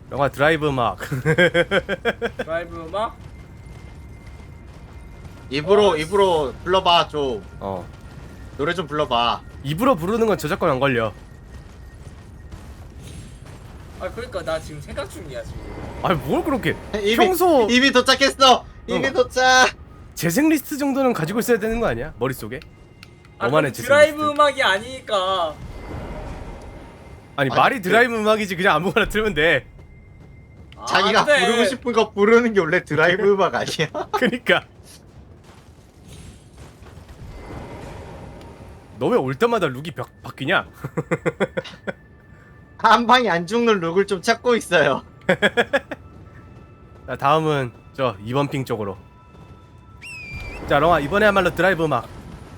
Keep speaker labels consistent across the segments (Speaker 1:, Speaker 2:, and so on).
Speaker 1: 영화 드라이브 음악.
Speaker 2: 드라이브 음악?
Speaker 3: 입으로 불러봐 좀. 노래 좀 불러봐.
Speaker 1: 입으로 부르는 건 저작권 안 걸려.
Speaker 2: 아 그러니까 나 지금 생각 중이야 지금.
Speaker 1: 아니 뭘 그렇게
Speaker 3: 이미,
Speaker 1: 평소
Speaker 3: 이미 도착했어. 이미 도착.
Speaker 1: 재생 리스트 정도는 가지고 있어야 되는 거 아니야? 머릿속에?
Speaker 2: 아
Speaker 1: 너만의
Speaker 2: 그럼
Speaker 1: 재생
Speaker 2: 드라이브
Speaker 1: 리스트.
Speaker 2: 음악이 아니니까.
Speaker 1: 아니
Speaker 3: 아니,
Speaker 1: 말이 드라이브 음악이지 그냥 아무거나 틀면 돼.
Speaker 3: 자기가
Speaker 2: 안 돼.
Speaker 3: 부르고 싶은 거 부르는 게 원래 드라이브 음악 아니야?
Speaker 1: 그니까 너 왜 올 때마다 룩이 바뀌냐?
Speaker 3: 한 방에 안 죽는 룩을 좀 찾고 있어요.
Speaker 1: 자 다음은 저 2번 핑 쪽으로. 자 롱아 이번에야말로 드라이브 음악.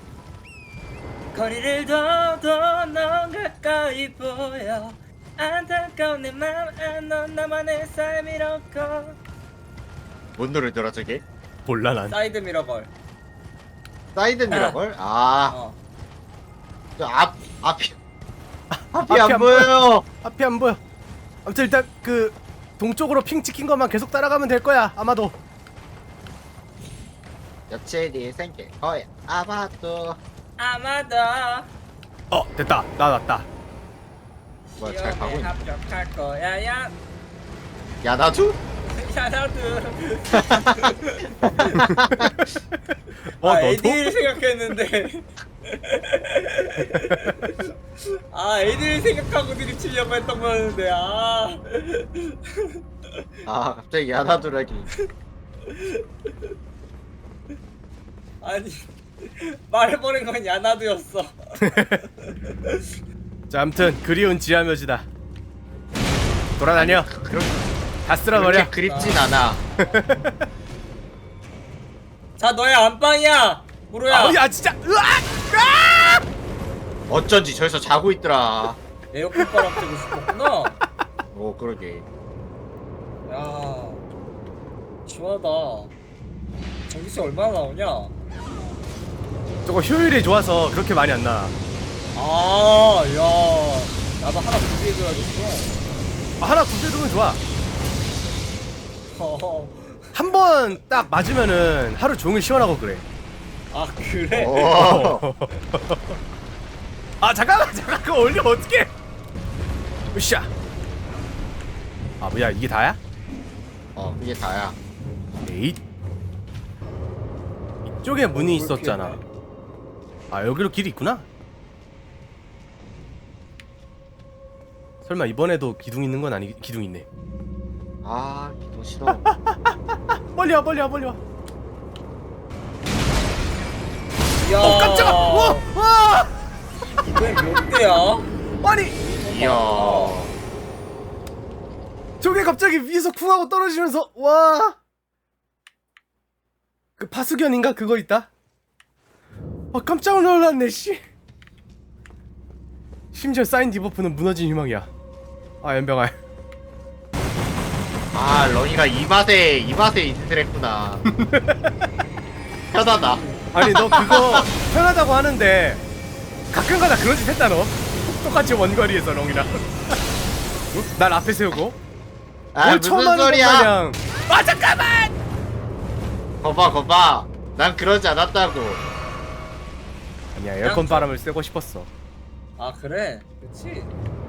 Speaker 2: 거리를 둬도 넌 가까이 보여 안타까운 내 맘 넌 나만의 삶이로고.
Speaker 3: 뭔 노래더라 저게?
Speaker 1: 몰라 난.
Speaker 2: 사이드 미러걸.
Speaker 3: 사이드 미러걸? 아,
Speaker 2: 어.
Speaker 3: 저 앞이
Speaker 1: 앞이
Speaker 3: 안 보여요.
Speaker 1: 앞이 안 보여. 아무튼 일단 그 동쪽으로 핑 찍힌 것만 계속 따라가면 될 거야 아마도.
Speaker 3: 여친이 생길 거야 아마도.
Speaker 2: 아마도
Speaker 1: 됐다 나왔다.
Speaker 3: 뭐야 잘 가고 있네.
Speaker 2: 합격할 거야 야.
Speaker 3: 야 나도?
Speaker 2: 야 나도.
Speaker 1: 너도?
Speaker 2: AD를 생각했는데. AD를 생각하고 드립치려고 했던 거였는데
Speaker 3: 아 갑자기 야나두라기.
Speaker 2: 아니 말해버린 건 야나두였어.
Speaker 1: 자 아무튼 그리운 지하묘지다. 돌아다녀. 다 쓸어버려.
Speaker 3: 그렇게 그립진 않아.
Speaker 2: 자 너의 안방이야 무로야.
Speaker 1: 야 진짜 으악!
Speaker 3: 어쩐지 저기서 자고 있더라.
Speaker 2: 에어컨 바람 쐬고 싶었구나.
Speaker 3: 오 그러게.
Speaker 2: 야 시원하다. 전기세 얼마나 나오냐?
Speaker 1: 저거 효율이 좋아서 그렇게 많이 안 나.
Speaker 2: 야 나도 하나 준비해줘야겠어.
Speaker 1: 하나 구해두면 좋아.
Speaker 2: 어.
Speaker 1: 한 번 딱 맞으면은 하루 종일 시원하고 그래.
Speaker 2: 아 그래?
Speaker 3: 오.
Speaker 1: 잠깐만 그거 올리면 어떡해. 으쌰. 뭐야 이게 다야?
Speaker 3: 이게 다야.
Speaker 1: 에잇. 이쪽에 문이 있었잖아. 여기로 길이 있구나. 설마 이번에도 기둥 있는 건 아니. 기둥 있네.
Speaker 3: 기도 싫어.
Speaker 1: 빨리 와 빨리 와.
Speaker 2: 야
Speaker 1: 깜짝아. 와.
Speaker 2: 이게 몇 대야?
Speaker 1: 아니
Speaker 3: 이야.
Speaker 1: 저게 갑자기 위에서 쿵 하고 떨어지면서 와. 그 파수견인가 그거 있다. 깜짝 놀랐네 씨. 심지어 사인 디버프는 무너진 희망이야. 연병아.
Speaker 3: 런이가 이 맛에 인스를 했구나. 편하다.
Speaker 1: 아니 너 그거 편하다고 하는데 가끔가다 그런 짓 했다 너. 똑같이 원거리에서 롱이랑. 날 앞에 세우고 뭘 처음
Speaker 3: 무슨
Speaker 1: 하는 것
Speaker 3: 소리야?
Speaker 1: 마냥. 잠깐만.
Speaker 3: 거봐. 난 그러지 않았다고.
Speaker 1: 아니야 에어컨 바람을 쐬고 싶었어.
Speaker 2: 그래 그치?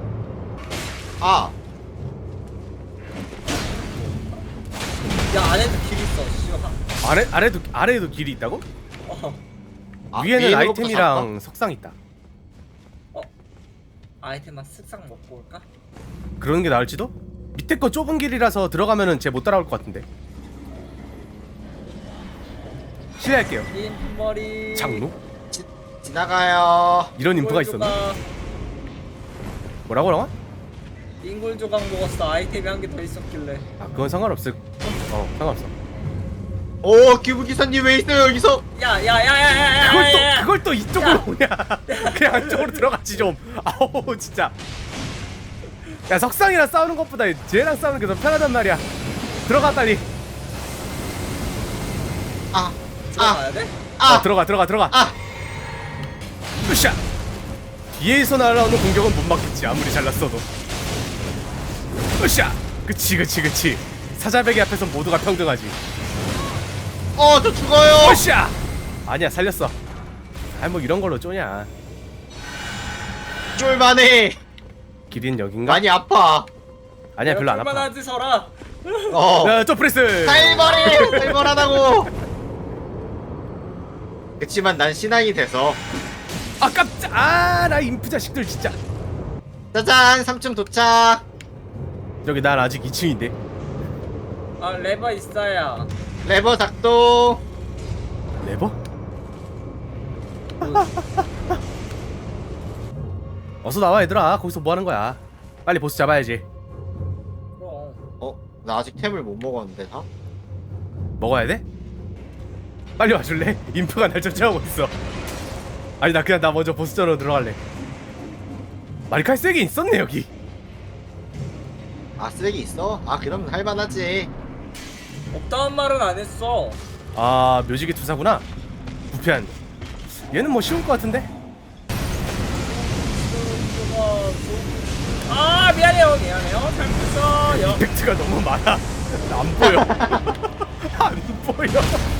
Speaker 2: 야 안에도 길 있어 씨발.
Speaker 1: 아래에도 길이 있다고? 위에는
Speaker 3: 위에
Speaker 1: 아이템이랑 석상 있다.
Speaker 2: 아이템만 쓱싹 먹고 올까?
Speaker 1: 그러는 게 나을지도? 밑에 거 좁은 길이라서 들어가면은 쟤 못 따라올 것 같은데. 실례할게요.
Speaker 2: 긴 머리
Speaker 1: 장로?
Speaker 3: 지나가요.
Speaker 1: 이런 인프가 있었나? 뭐라고?
Speaker 2: 잉골 조각 먹었어. 아이템이 한 개 더 있었길래.
Speaker 1: 그건 상관없을. 상관없어.
Speaker 3: 오 기부기사님 왜 있어요 여기서?
Speaker 2: 야야야야야야야.
Speaker 1: 그걸 또 이쪽으로 오냐? 그냥 안쪽으로 들어갔지 좀. 아우 진짜. 야 석상이랑 싸우는 것보다 쟤랑 싸우는 게 더 편하단 말이야. 들어갔다니.
Speaker 2: 들어가야 돼?
Speaker 1: 들어가. 으쌰. 뒤에서 날아오는 공격은 못 막겠지 아무리 잘났어도. 으쌰. 그치. 사자배기 앞에서 모두가 평등하지.
Speaker 3: 저 죽어요.
Speaker 1: 오샤! 아니야, 살렸어. 뭐 이런 걸로 쪼냐.
Speaker 3: 쫄만해.
Speaker 1: 길인 여긴가?
Speaker 3: 많이 아파.
Speaker 1: 아니야, 별로 안 아파.
Speaker 2: 얼마나 서라.
Speaker 3: 어.
Speaker 1: 점프레스!
Speaker 3: 살벌하다고. 그치만 난 신앙이 돼서.
Speaker 1: 아, 깜짝! 아, 나 인프 자식들 진짜.
Speaker 3: 짜잔, 3층 도착.
Speaker 1: 저기 난 아직 2층인데.
Speaker 2: 아 레버 있어야.
Speaker 3: 레버 작동.
Speaker 1: 레버? 어서 나와 얘들아. 거기서 뭐 하는 거야? 빨리 보스 잡아야지.
Speaker 2: 그럼.
Speaker 3: 나 아직 템을 못 먹었는데 다?
Speaker 1: 먹어야 돼? 빨리 와줄래? 인프가 날 쫓아오고 있어. 아니 나 그냥 나 먼저 보스전으로 들어갈래. 마리칼 세게 있었네 여기.
Speaker 3: 아, 쓰레기 있어? 아, 그럼 할만하지.
Speaker 2: 없다는 말은 안 했어.
Speaker 1: 아 묘지기 투사구나. 부패한. 얘는 뭐 쉬울 것 같은데?
Speaker 2: 아 미안해요. 잘못했어요.
Speaker 1: 이펙트가 너무 많아. 안 보여. 안 보여.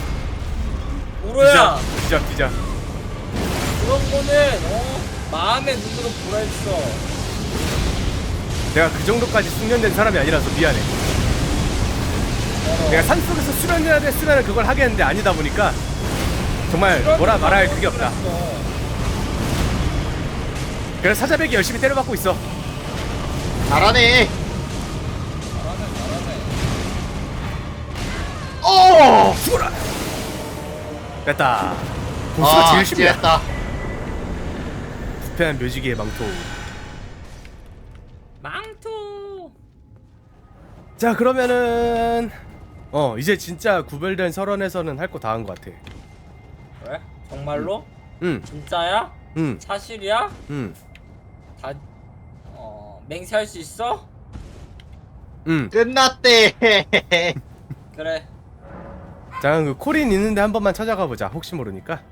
Speaker 2: 우로야.
Speaker 1: 뒤져.
Speaker 2: 그런 거는 마음의 눈으로 보라 했어.
Speaker 1: 내가 그 정도까지 숙련된 사람이 아니라서 미안해. 내가 산속에서 수련해야 됐으면 그걸 하겠는데 아니다 보니까 정말 뭐라 말할 그게 없다. 그래서 사자배기 열심히 때려받고 있어.
Speaker 3: 잘하네.
Speaker 1: 죽어라. 됐다. 보스가 제일 쉽냐.
Speaker 3: 찌했다.
Speaker 1: 부패한 묘지기의 망토.
Speaker 2: 망토.
Speaker 1: 자 그러면은 이제 진짜 구별된 설원에서는 할 거 다 한 거 같아.
Speaker 2: 그래? 정말로?
Speaker 1: 응.
Speaker 2: 진짜야?
Speaker 1: 응.
Speaker 2: 사실이야?
Speaker 1: 응.
Speaker 2: 다 맹세할 수 있어?
Speaker 1: 응.
Speaker 3: 끝났대.
Speaker 2: 그래.
Speaker 1: 자 그 코린 있는데 한 번만 찾아가 보자. 혹시 모르니까.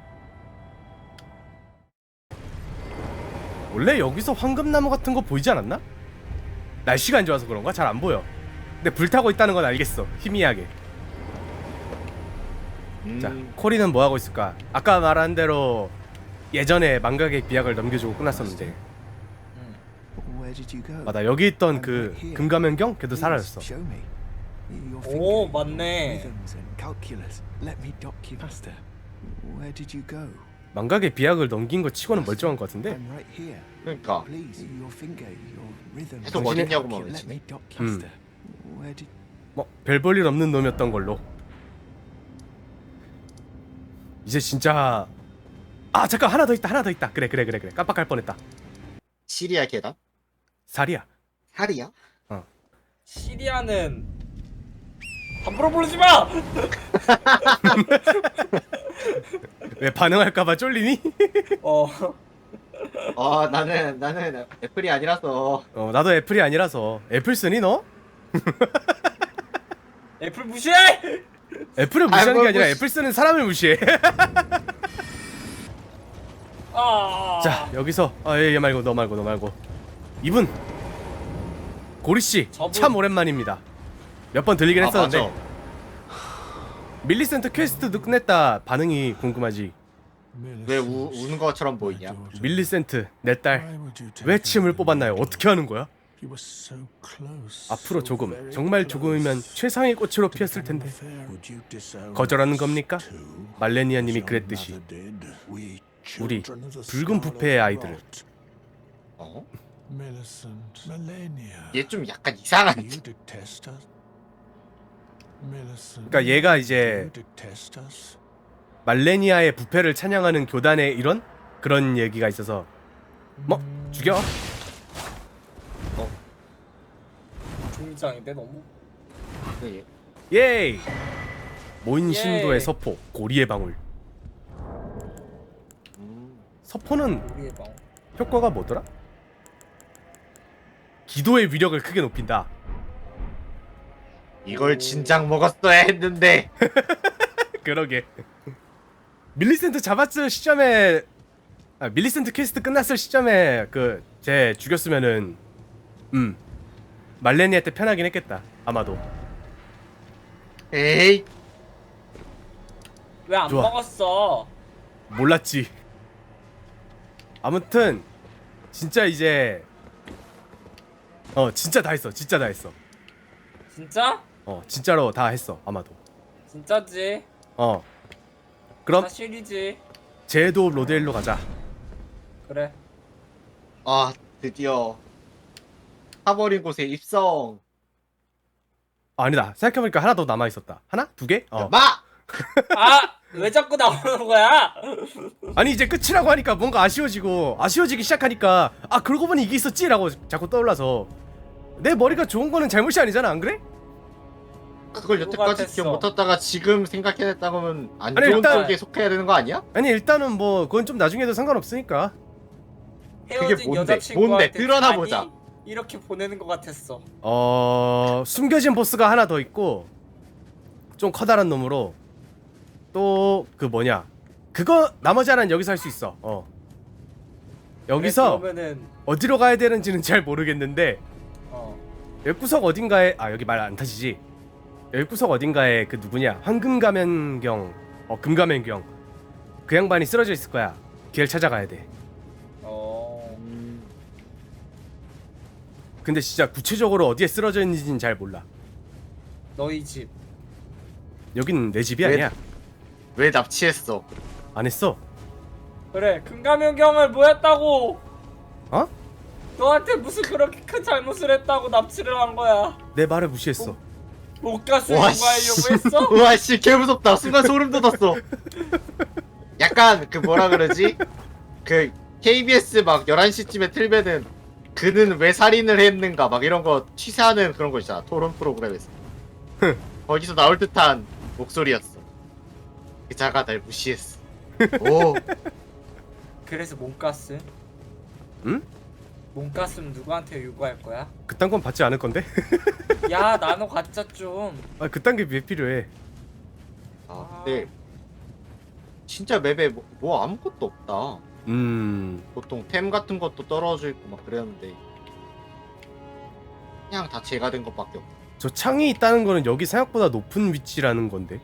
Speaker 1: 원래 여기서 황금나무 같은 거 보이지 않았나? 날씨가 안 좋아서 그런가? 잘 안 보여. 근데 불타고 있다는 건 알겠어. 희미하게. 자, 코리는 뭐 하고 있을까? 아까 말한 대로 예전에 망각의 비약을 넘겨주고 끝났었는데. 맞아, 여기 있던 그 금가면경 걔도 사라졌어.
Speaker 2: 오 맞네.
Speaker 1: 망각의 비약을 넘긴 거 치고는 멀쩡한 것 같은데.
Speaker 3: 그러니까 계속 어딨냐고만 외치네.
Speaker 1: 뭐 별 볼 일 없는 놈이었던 걸로. 이제 진짜 잠깐 하나 더 있다. 그래. 깜빡할 뻔했다.
Speaker 3: 시리아 계단?
Speaker 1: 살이야.
Speaker 3: 살이야?
Speaker 2: 시리아는 함부로 부르지 마.
Speaker 1: 왜 반응할까봐 쫄리니?
Speaker 3: 나는 애플이 아니라서.
Speaker 1: 나도 애플이 아니라서. 애플 쓰니 너?
Speaker 2: 애플 무시해.
Speaker 1: 애플을 무시하는 게
Speaker 3: 뭘
Speaker 1: 아니라
Speaker 3: 무시-
Speaker 1: 애플 쓰는 사람을 무시해.
Speaker 2: 아.
Speaker 1: 자 여기서 얘 말고 너 말고 이분 고리씨
Speaker 2: 저분.
Speaker 1: 참 오랜만입니다. 몇 번 들리긴 했었는데
Speaker 3: 맞아.
Speaker 1: 밀리센트 퀘스트도 끝냈다. 반응이 궁금하지.
Speaker 3: 왜 우는 것처럼 보이냐?
Speaker 1: 밀리센트 내 딸 왜 침을 뽑았나요? 어떻게 하는 거야? 앞으로 조금 정말 조금이면 최상의 꽃으로 피었을 텐데 거절하는 겁니까? 말레니아님이 그랬듯이 우리 붉은 부패의 아이들을.
Speaker 3: 얘 좀 약간 이상한데.
Speaker 1: 그러니까 얘가 이제 말레니아의 부패를 찬양하는 교단의 이런 그런 얘기가 있어서 뭐 죽여.
Speaker 2: 중장인데 너무.
Speaker 3: 얘.
Speaker 1: 예이. 모인 신도의
Speaker 2: 예이.
Speaker 1: 서포 고리의 방울. 서포는
Speaker 2: 우리의 방.
Speaker 1: 효과가 뭐더라? 기도의 위력을 크게 높인다.
Speaker 3: 이걸 진작 먹었어야 했는데.
Speaker 1: 그러게. 밀리센트 잡았을 시점에 밀리센트 퀘스트 끝났을 시점에 쟤 죽였으면은 말레니한테 편하긴 했겠다 아마도.
Speaker 3: 에이
Speaker 2: 왜 안
Speaker 1: 좋아.
Speaker 2: 먹었어?
Speaker 1: 몰랐지. 아무튼 진짜 이제 진짜 다 했어. 진짜 다 했어.
Speaker 2: 진짜?
Speaker 1: 진짜로 다 했어 아마도.
Speaker 2: 진짜지.
Speaker 1: 그럼
Speaker 2: 사실이지.
Speaker 1: 제도 로데일로 가자.
Speaker 2: 그래.
Speaker 3: 아 드디어 타버린 곳에 입성.
Speaker 1: 아니다 생각해보니까 하나 더 남아있었다. 하나? 두 개?
Speaker 3: 마!
Speaker 2: 아! 왜 자꾸 나오는 거야?
Speaker 1: 아니 이제 끝이라고 하니까 뭔가 아쉬워지기 시작하니까 아 그러고 보니 이게 있었지 라고 자꾸 떠올라서 내 머리가 좋은 거는 잘못이 아니잖아 안 그래?
Speaker 3: 그걸 여태까지
Speaker 2: 같았어.
Speaker 3: 기억 못했다가 지금 생각해냈다고 하면 안
Speaker 1: 아니,
Speaker 3: 좋은
Speaker 1: 일단-
Speaker 3: 쪽에 속해야 되는 거 아니야?
Speaker 1: 아니 일단은 뭐 그건 좀 나중에 해도 상관없으니까.
Speaker 2: 헤어진
Speaker 3: 뭔데?
Speaker 2: 여자친구한테
Speaker 3: 뭔데? 드러나
Speaker 2: 잔이
Speaker 3: 보자.
Speaker 2: 이렇게 보내는 것 같았어.
Speaker 1: 숨겨진 보스가 하나 더 있고 좀 커다란 놈으로 또 그 뭐냐 그거 나머지 하나는 여기서 할 수 있어. 여기서
Speaker 2: 그래, 그러면은
Speaker 1: 어디로 가야 되는지는 잘 모르겠는데
Speaker 2: 어.
Speaker 1: 여기 구석 어딘가에 여기 말 안 타지지. 여기 구석 어딘가에 그 누구냐 황금가면경 금가면경 그 양반이 쓰러져 있을 거야. 걔를 찾아가야 돼. 근데 진짜 구체적으로 어디에 쓰러져 있는지는 잘 몰라.
Speaker 2: 너희 집.
Speaker 1: 여긴 내 집이
Speaker 3: 왜?
Speaker 1: 아니야.
Speaker 3: 왜 납치했어?
Speaker 1: 안 했어.
Speaker 2: 그래, 금감현경을 뭐 했다고?
Speaker 1: 어?
Speaker 2: 너한테 무슨 그렇게 큰 잘못을 했다고 납치를 한 거야?
Speaker 1: 내 말을 무시했어.
Speaker 2: 못가스
Speaker 3: 와,
Speaker 2: 공부하려고 했어?
Speaker 3: 우와 씨 개무섭다. 순간 소름 돋았어. 약간 그 뭐라 그러지? 그 KBS 막 11시쯤에 틀면은 그는 왜 살인을 했는가 막 이런 거 취재하는 그런 거 있잖아. 토론 프로그램에서. 거기서 나올 듯한 목소리였어. 기자가 날 무시했어. 오.
Speaker 2: 그래서 몸가스?
Speaker 1: 응?
Speaker 2: 몸가스는 누구한테 요구할 거야?
Speaker 1: 그딴 건 받지 않을 건데?
Speaker 2: 야, 나눠 갖자 좀.
Speaker 1: 그딴 게 왜 필요해?
Speaker 3: 아 근데 진짜 맵에 뭐 아무것도 없다. 보통 템 같은 것도 떨어져 있고 막 그랬는데 그냥 다 제가 된 것밖에 없어.
Speaker 1: 저 창이 있다는 거는 여기 생각보다 높은 위치라는 건데.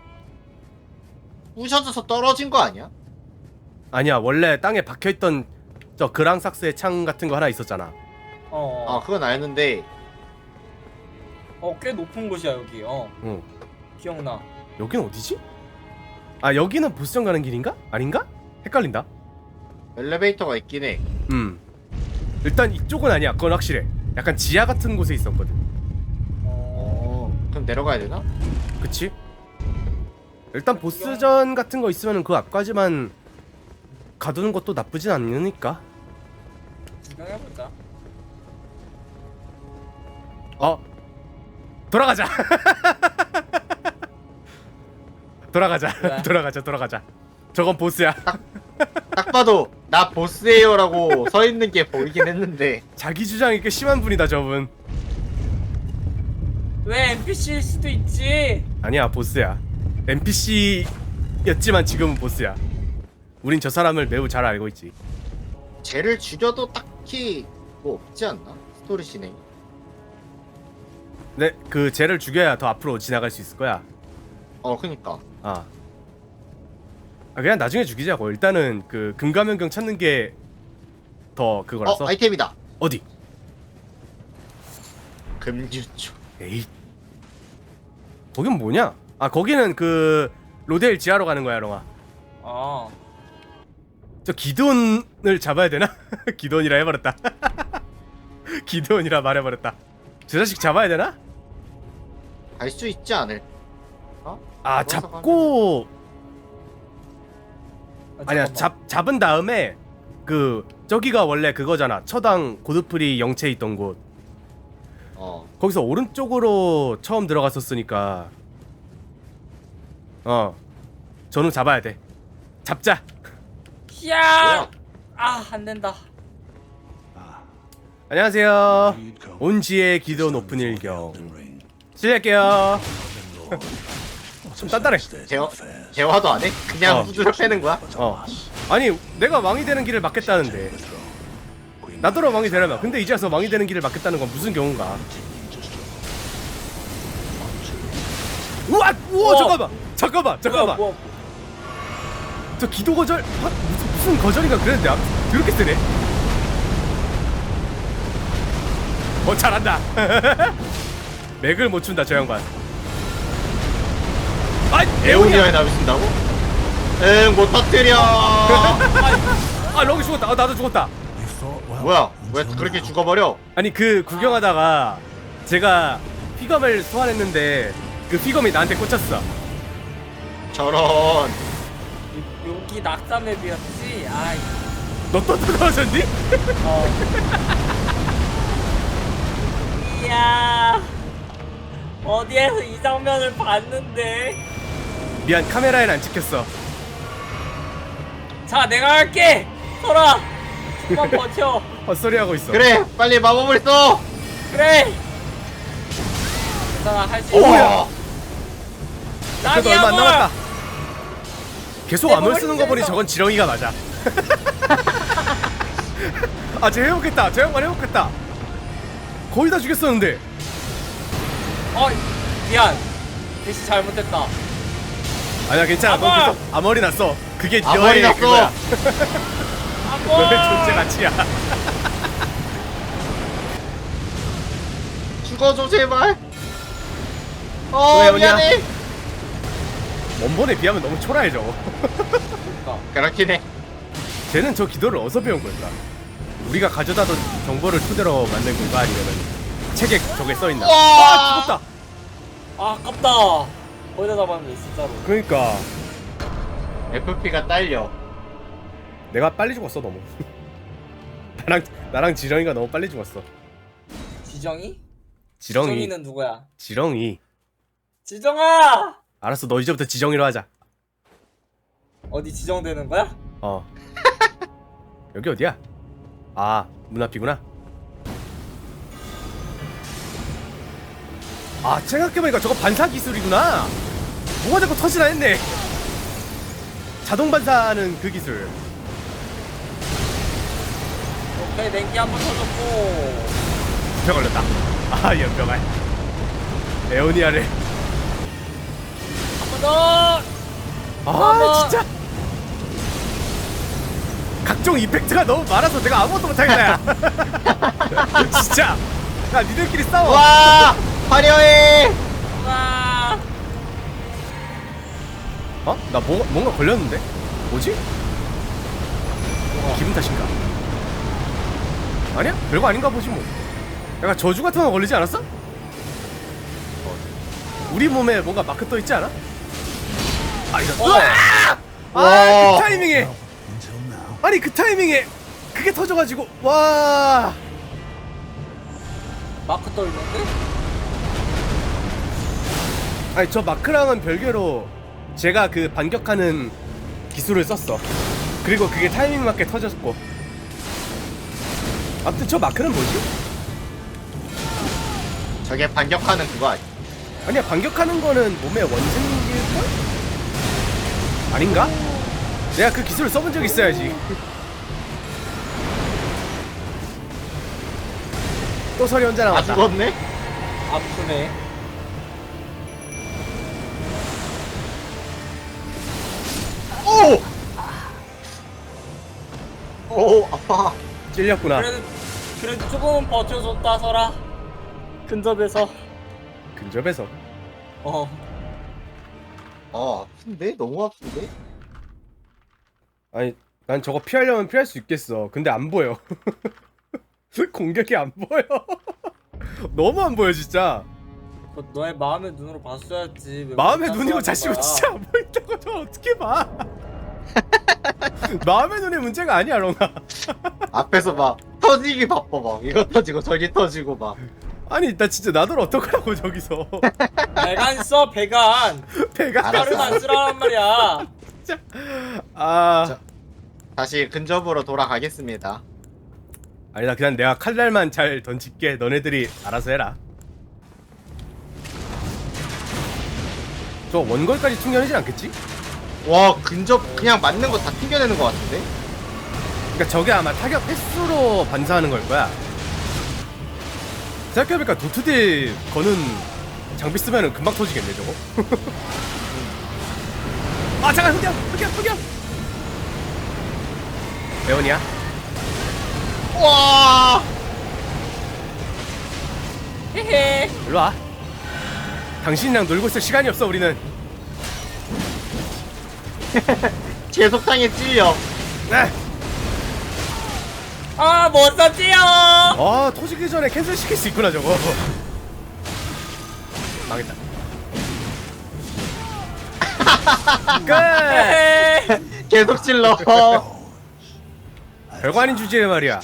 Speaker 3: 부셔져서 떨어진 거 아니야?
Speaker 1: 아니야 원래 땅에 박혀있던 저 그랑삭스의 창 같은 거 하나 있었잖아.
Speaker 3: 아 그건 알는데
Speaker 2: 꽤 높은 곳이야 여기.
Speaker 1: 응.
Speaker 2: 기억나.
Speaker 1: 여긴 어디지? 여기는 보스전 가는 길인가? 아닌가? 헷갈린다.
Speaker 3: 엘리베이터가 있긴 해.
Speaker 1: 일단 이쪽은 아니야. 그건 확실해. 약간 지하 같은 곳에 있었거든.
Speaker 3: 그럼 내려가야 되나?
Speaker 1: 그치? 일단 보스전 같은 거 있으면 그 앞까지만 가두는 것도 나쁘진 않으니까.
Speaker 2: 구경해보자.
Speaker 1: 돌아가자. 돌아가자.
Speaker 2: 왜?
Speaker 1: 돌아가자. 저건 보스야.
Speaker 3: 딱 봐도 나 보스예요라고 서 있는 게 보이긴 했는데
Speaker 1: 자기 주장이 꽤 심한 분이다 저분.
Speaker 2: 왜 NPC일 수도 있지?
Speaker 1: 아니야 보스야. NPC였지만 지금은 보스야. 우린 저 사람을 매우 잘 알고 있지.
Speaker 3: 쟤를 죽여도 딱히 뭐 없지 않나? 스토리 진행.
Speaker 1: 네, 그 쟤를 죽여야 더 앞으로 지나갈 수 있을 거야.
Speaker 3: 그니까
Speaker 1: 그냥 나중에 죽이자고. 일단은 그 금가면경 찾는 게 더 그거라서.
Speaker 3: 아이템이다.
Speaker 1: 어디?
Speaker 3: 금유초.
Speaker 1: 에이. 거긴 뭐냐? 거기는 그 로데일 지하로 가는 거야, 롱아. 저 기돈을 잡아야 되나? 기돈이라 해버렸다. 기돈이라 말해버렸다. 저 자식 잡아야 되나?
Speaker 3: 갈 수 있지 않을?
Speaker 1: 잡고 아니야
Speaker 2: 잠깐만.
Speaker 1: 잡은 다음에 그 저기가 원래 그거잖아. 처당 고드프리 영체 있던 곳. 거기서 오른쪽으로 처음 들어갔었으니까 저놈 잡아야 돼. 잡자.
Speaker 2: 야! 안 된다.
Speaker 1: 안녕하세요. 온지의 기돈 오픈 일경 실례할게요. 좀 단단해.
Speaker 3: 대화도 안 해? 그냥 후드려 패는 거야?
Speaker 1: 아니 내가 왕이 되는 길을 막겠다는데 나더러 왕이 되려면. 근데 이제 와서 왕이 되는 길을 막겠다는 건 무슨 경우인가? 우와! 우와! 잠깐만!
Speaker 2: 뭐야.
Speaker 1: 저 기도 거절? 무슨 거절인가 그랬는데 그렇게 세네? 잘한다. 맥을 못 춘다 저 양반. 아,
Speaker 3: 에오니아에 나비 쓴다고? 응, 못 터뜨려.
Speaker 1: 아, 럭이 죽었다. 나도 죽었다.
Speaker 3: 뭐야? 왜 그렇게 죽어버려?
Speaker 1: 아니 그 구경하다가 제가 피검을 소환했는데 그 피검이 나한테 꽂혔어.
Speaker 3: 저런.
Speaker 2: 여기 낙사 맵이었지? 아이.
Speaker 1: 너 또 떨어졌니?
Speaker 2: 이야. 어디에서 이 장면을 봤는데.
Speaker 1: 미안, 카메라엔 안 찍혔어.
Speaker 2: 자, 내가 할게. 설아. 좀만 버텨.
Speaker 1: 헛소리 하고 있어.
Speaker 3: 그래, 빨리 마법을 써.
Speaker 2: 그래. 괜찮아, 할 수
Speaker 1: 오야.
Speaker 2: 있어.
Speaker 1: 그래도 얼마 안 남았다. 계속
Speaker 2: 내
Speaker 1: 암을
Speaker 2: 몸을
Speaker 1: 쓰는 거 보니
Speaker 2: 찢어서.
Speaker 1: 저건 지렁이가 맞아. 아, 쟤 해먹겠다. 저 양반 해먹겠다. 거의 다 죽였었는데.
Speaker 2: 미안. 대시 잘못했다.
Speaker 1: 아니야, 괜찮아. 넌
Speaker 2: 아빠!
Speaker 1: 계속 암월이 났어. 그게
Speaker 3: 암월이
Speaker 1: 너의
Speaker 3: 났어.
Speaker 1: 그거야.
Speaker 2: 아빠.
Speaker 1: 너의 존재 가치야.
Speaker 3: 죽어줘 제발.
Speaker 1: 왜 오냐?
Speaker 3: 미안해.
Speaker 1: 원본에 비하면 너무 초라해 저거.
Speaker 3: 그렇긴 해.
Speaker 1: 쟤는 저 기도를 어디서 배운 걸까? 우리가 가져다던 정보를 토대로 만든 건가? 아니면은 책에 저게 써있나?
Speaker 3: 와!
Speaker 1: 죽었다!
Speaker 2: 아깝다. 거기다 잡았는데 진짜로.
Speaker 1: 그러니까
Speaker 3: FP가 딸려.
Speaker 1: 내가 빨리 죽었어 너무. 나랑 지렁이가 너무 빨리 죽었어.
Speaker 2: 지정이?
Speaker 1: 지렁이.
Speaker 2: 지정이는 누구야?
Speaker 1: 지렁이.
Speaker 2: 지정아!
Speaker 1: 알았어, 너 이제부터 지렁이로 하자.
Speaker 2: 어디 지정되는 거야?
Speaker 1: 여기 어디야? 아, 문 앞이구나. 아, 생각해보니까 저거 반사 기술이구나. 뭐가 자꾸 터지나 했네. 자동 반사는 그 기술.
Speaker 2: 오케이, 냉기 한번 터졌고.
Speaker 1: 연병 걸렸다. 아, 연병알. 에오니아를.
Speaker 2: 한 번 더!
Speaker 1: 아, 진짜. 각종 이펙트가 너무 많아서 내가 아무것도 못하겠다. 야. 진짜. 야, 니들끼리 싸워.
Speaker 3: 와! 화려해.
Speaker 2: 와!
Speaker 1: 나 뭔가 걸렸는데? 뭐지? 기분 탓인가? 아니야? 별거 아닌가 보지 뭐. 약간 저주 같은 거 걸리지 않았어? 우리 몸에 뭔가 마크 떠 있지 않아? 아, 이런.
Speaker 3: 와.
Speaker 1: 그 타이밍에. 아니, 그 타이밍에 그게 터져가지고 와.
Speaker 2: 마크 떠있는데?
Speaker 1: 아니, 저 마크랑은 별개로 제가 그 반격하는 기술을 썼어. 그리고 그게 타이밍 맞게 터졌고. 아무튼 저 마크는 뭐지?
Speaker 3: 저게 반격하는 그거 아니야?
Speaker 1: 아니야, 반격하는 거는 몸의 원숭이일걸? 아닌가? 내가 그 기술을 써본 적 있어야지. 또 설이 혼자
Speaker 3: 다
Speaker 1: 남았다.
Speaker 3: 죽었네?
Speaker 2: 아프네.
Speaker 3: 오! 오, 아파.
Speaker 1: 찔렸구나.
Speaker 2: 그래도 조금은 버텨줬다, 설아. 근접해서.
Speaker 1: 근접해서.
Speaker 3: 아픈데? 너무 아픈데?
Speaker 1: 아니, 난 저거 피하려면 피할 수 있겠어. 근데 안 보여. 공격이 안 보여. 너무 안 보여 진짜.
Speaker 2: 너의 마음의 눈으로 봤어야지. 왜
Speaker 1: 마음의
Speaker 2: 못
Speaker 1: 눈이고
Speaker 2: 봤어
Speaker 1: 자시고
Speaker 2: 하는 거야?
Speaker 1: 진짜 안 보인다고 저 어떻게 봐? 마음의 눈의 문제가 아니야, 롱아.
Speaker 3: 앞에서 막 터지기 바빠 막 이거 터지고 저기 터지고 막.
Speaker 1: 아니, 나 진짜 나더러 어떡하라고 저기서.
Speaker 2: 배간 써, 배간.
Speaker 1: 배가
Speaker 3: 알았어.
Speaker 2: 칼은 안 쓰라란 말이야.
Speaker 1: 진짜. 아.
Speaker 3: 자. 다시 근접으로 돌아가겠습니다.
Speaker 1: 아니, 나 그냥 내가 칼날만 잘 던질게. 너네들이 알아서 해라. 저 원거리까지 충전하진 않겠지?
Speaker 3: 와 근접 그냥 맞는 거 다 튕겨내는 거 같은데?
Speaker 1: 그러니까 저게 아마 타격 횟수로 반사하는 걸 거야. 생각해보니까 도트딜 거는 장비 쓰면은 금방 터지겠네 저거. 아 잠깐 흑염. 배원이야?
Speaker 3: 와
Speaker 2: 헤헤.
Speaker 1: 일로 와. 당신이랑 놀고 있을 시간이 없어 우리는.
Speaker 3: 제속탕에 찔려.
Speaker 1: 네.
Speaker 2: 아, 못 썼지요.
Speaker 1: 아 터지기 전에 캔슬 시킬 수 있구나 저거. 망했다. 끝.
Speaker 2: 헤헤.
Speaker 3: 계속 찔러.
Speaker 1: 별거 아닌 주제에 말이야.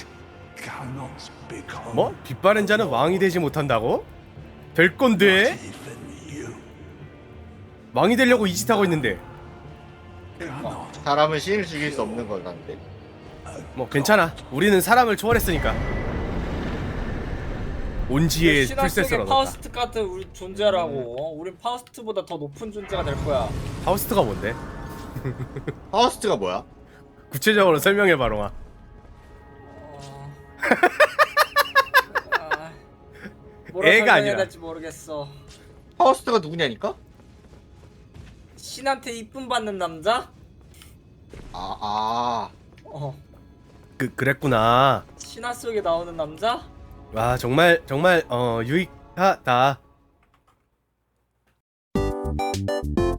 Speaker 1: 뭐? 빗바른 자는 왕이 되지 못한다고? 될 건데? 왕이 되려고 이 짓 하고 있는데.
Speaker 3: 사람은 신을 죽일 수 없는 거란데.
Speaker 1: 뭐 괜찮아. 우리는 사람을 초월했으니까. 온지의
Speaker 2: 신화
Speaker 1: 풀셋을
Speaker 2: 속의
Speaker 1: 얻었다.
Speaker 2: 파우스트 같은 우리 존재라고. 우린 파우스트보다 더 높은 존재가 될 거야.
Speaker 1: 파우스트가 뭔데?
Speaker 3: 파우스트가 뭐야?
Speaker 1: 구체적으로 설명해 봐롱아.
Speaker 2: 뭐라
Speaker 1: 애가
Speaker 2: 설명해야
Speaker 1: 아니라.
Speaker 2: 될지 모르겠어.
Speaker 3: 파우스트가 누구냐니까?
Speaker 2: 신한테 이쁨 받는 남자?
Speaker 3: 아
Speaker 2: 어.
Speaker 1: 그랬구나.
Speaker 2: 신화 속에 나오는 남자?
Speaker 1: 와 정말 유익하다.